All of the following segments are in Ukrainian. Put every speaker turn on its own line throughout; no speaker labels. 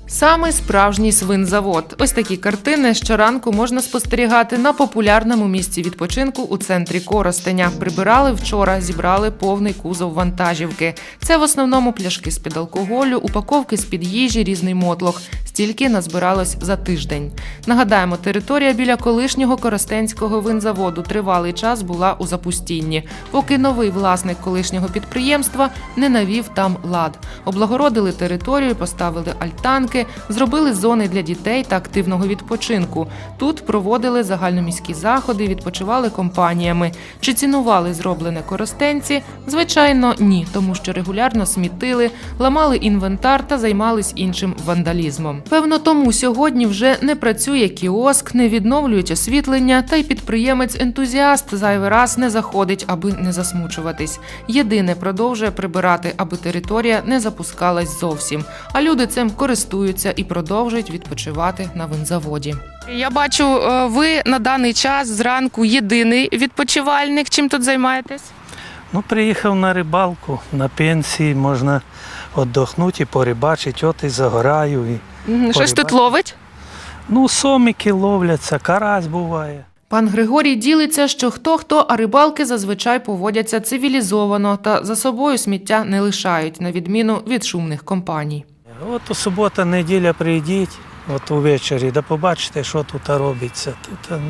Саме справжній свинзавод. Ось такі картини щоранку можна спостерігати на популярному місці відпочинку у центрі Коростеня. Прибирали вчора, зібрали повний кузов вантажівки. Це в основному пляшки з-під алкоголю, упаковки з-під їжі, різний мотлох. Стільки назбиралось за тиждень. Нагадаємо, територія біля колишнього Коростенського винзаводу тривалий час була у запустінні, поки новий власник колишнього підприємства не навів там лад. Облагородили територію, поставили альтанки, зробили зони для дітей та активного відпочинку. Тут проводили загальноміські заходи, відпочивали компаніями. Чи цінували зроблене коростенці? Звичайно, ні, тому що регулярно смітили, ламали інвентар та займались іншим вандалізмом. Певно, тому сьогодні вже не працює кіоск, не відновлюють освітлення, та й підприємець-ентузіаст зайвий раз не заходить, аби не засмучуватись. Єдине, продовжує прибирати, аби територія не запускалась зовсім. А люди цим користуються і продовжують відпочивати на винзаводі. Я бачу, ви на даний час зранку єдиний відпочивальник. Чим тут займаєтесь?
Ну, приїхав на рибалку, на пенсії, можна віддохнути і порибачити, от і загораю.
Щось тут ловить?
Ну, сомики ловляться, карась буває.
Пан Григорій ділиться, що хто-хто, а рибалки зазвичай поводяться цивілізовано та за собою сміття не лишають, на відміну від шумних компаній.
От у субота, неділя прийдіть, от увечері, да побачите, що тут робиться. Тут,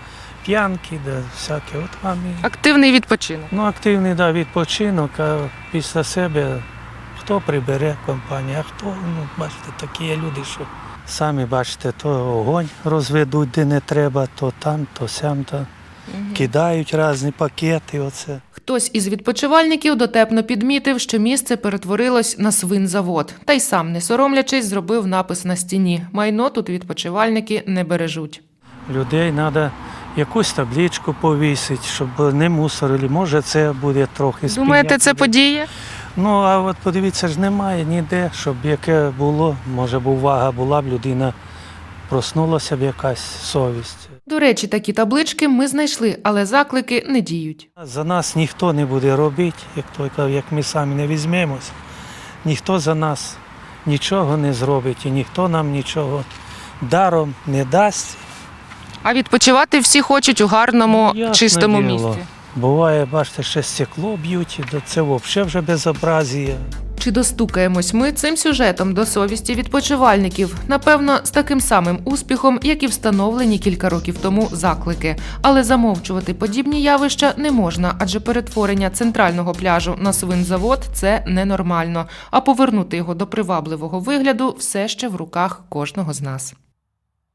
п'янки, да, всяке. От вам і...
Активний відпочинок.
Ну, активний, да, відпочинок, а після себе хто прибере компанію, а хто, бачите, такі є люди, що самі бачите, то огонь розведуть, де не треба, то там, то сям, то кидають різні пакети, оце.
Хтось із відпочивальників дотепно підмітив, що місце перетворилось на свинзавод. Та й сам, не соромлячись, зробив напис на стіні. Майно тут відпочивальники не бережуть.
Людей треба якусь табличку повісити, щоб не мусорили. Може, це буде трохи спиняти.
Думаєте, це подіє?
Ну, а от подивіться, ж немає ніде, щоб яке було, може б увага була б, людина проснулася б якась совість.
До речі, такі таблички ми знайшли, але заклики не діють.
За нас ніхто не буде робити, як ми самі не візьмемось. Ніхто за нас нічого не зробить і ніхто нам нічого даром не дасть.
А відпочивати всі хочуть у гарному, чистому місці.
Буває, бачите, ще стекло б'ють, це взагалі вже безобразія.
Чи достукаємось ми цим сюжетом до совісті відпочивальників? Напевно, з таким самим успіхом, як і встановлені кілька років тому заклики. Але замовчувати подібні явища не можна, адже перетворення центрального пляжу на свинзавод – це ненормально. А повернути його до привабливого вигляду все ще в руках кожного з нас.